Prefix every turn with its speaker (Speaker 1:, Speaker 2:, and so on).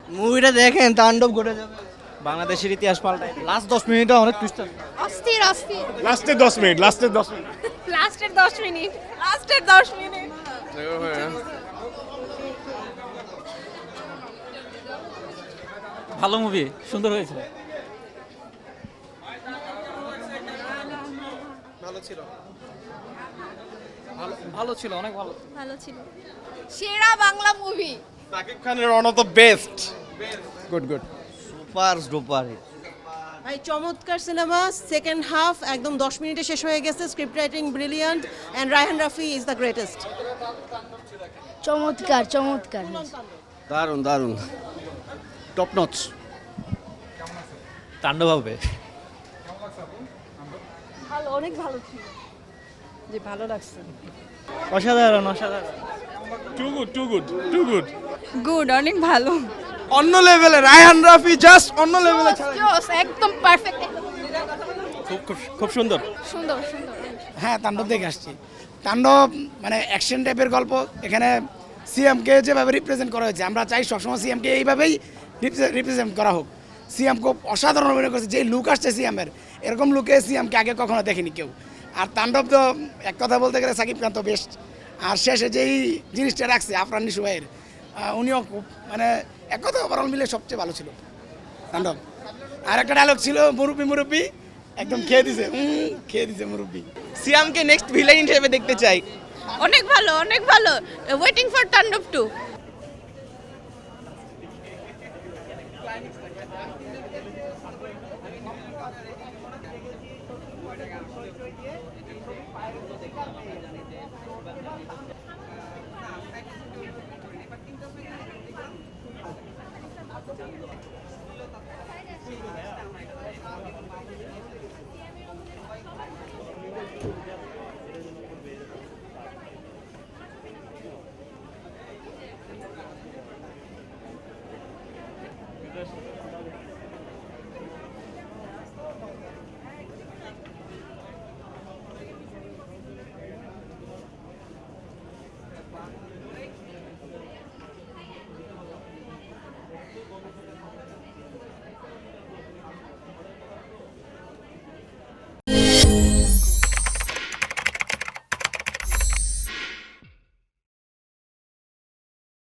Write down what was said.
Speaker 1: মুভিটা দেখেন, তাণ্ডব ঘটে যাবে।
Speaker 2: বাংলাদেশের ইতিহাস পাল্টাই দিবে।
Speaker 1: লাস্ট 10 মিনিটে অনেক টুইস্ট আছে।
Speaker 3: অস্থির অস্থির
Speaker 4: লাস্টের 10 মিনিট, লাস্টের 10 মিনিট।
Speaker 3: লাস্টের 10 মিনিট লাস্টের 10 মিনিট
Speaker 2: ভালো মুভি, সুন্দর হয়েছে। ভালো ছিল, অনেক ভালো।
Speaker 3: ভালো ছিল সেরা বাংলা মুভি
Speaker 4: সাকিব খানের one of the best. Good good.
Speaker 1: Super duper hit.
Speaker 5: ভাই চমৎকার সিনেমা, সেকেন্ড হাফ একদম 10 মিনিটে শেষ হয়ে গেছে, script writing brilliant and Raihan Rafi is the greatest.
Speaker 3: চমৎকার চমৎকার
Speaker 1: দারুন দারুন, টপ নচ।
Speaker 2: তাণ্ডব হবে।
Speaker 3: ভালো, অনেক ভালো ছিল।
Speaker 5: যে ভালো লাগছে।
Speaker 2: অসাধারণ অসাধারণ।
Speaker 4: Too good too good too good.
Speaker 3: Good, অনেক ভালো।
Speaker 1: অন্য লেভেলে রায়হান রাফি, জাস্ট অন্য লেভেলে।
Speaker 3: জোস, একদম পারফেক্ট।
Speaker 4: খুব সুন্দর।
Speaker 3: সুন্দর সুন্দর।
Speaker 6: হ্যাঁ, তাণ্ডব দেখে আসছি। তাণ্ডব মানে অ্যাকশন টাইপের গল্প। এখানে সিএমকে যেভাবে রিপ্রেজেন্ট করা হয়েছে, আমরা চাই সবসময় সিএমকে এইভাবেই রিপ্রেজেন্ট করা হোক। সিএম খুব অসাধারণ অভিনয় করছে, যেই লুক আসছে সিএমের, এরকম লুকে সিএমকে আগে কখনো দেখেনি কেউ। আর তাণ্ডব তো এক কথা বলতে গেলে সাকিব খান তো বেস্ট। আর শেষে যেই জিনিসটা রাখছে আফরান নিশু ভাইয়ের, উনিও খুব মানে এক কথা ওভারঅল মিলে সবচেয়ে ভালো ছিল তাণ্ডব। আর একটা ডায়লগ ছিল, মুরব্বি মুরব্বি, একদম খেয়ে দিছে মুরব্বি।
Speaker 2: সিয়ামকে নেক্সট ভিলেন হিসেবে দেখতে চাই।
Speaker 3: অনেক ভালো, অনেক ভালো। ওয়েটিং ফর তাণ্ডব 2।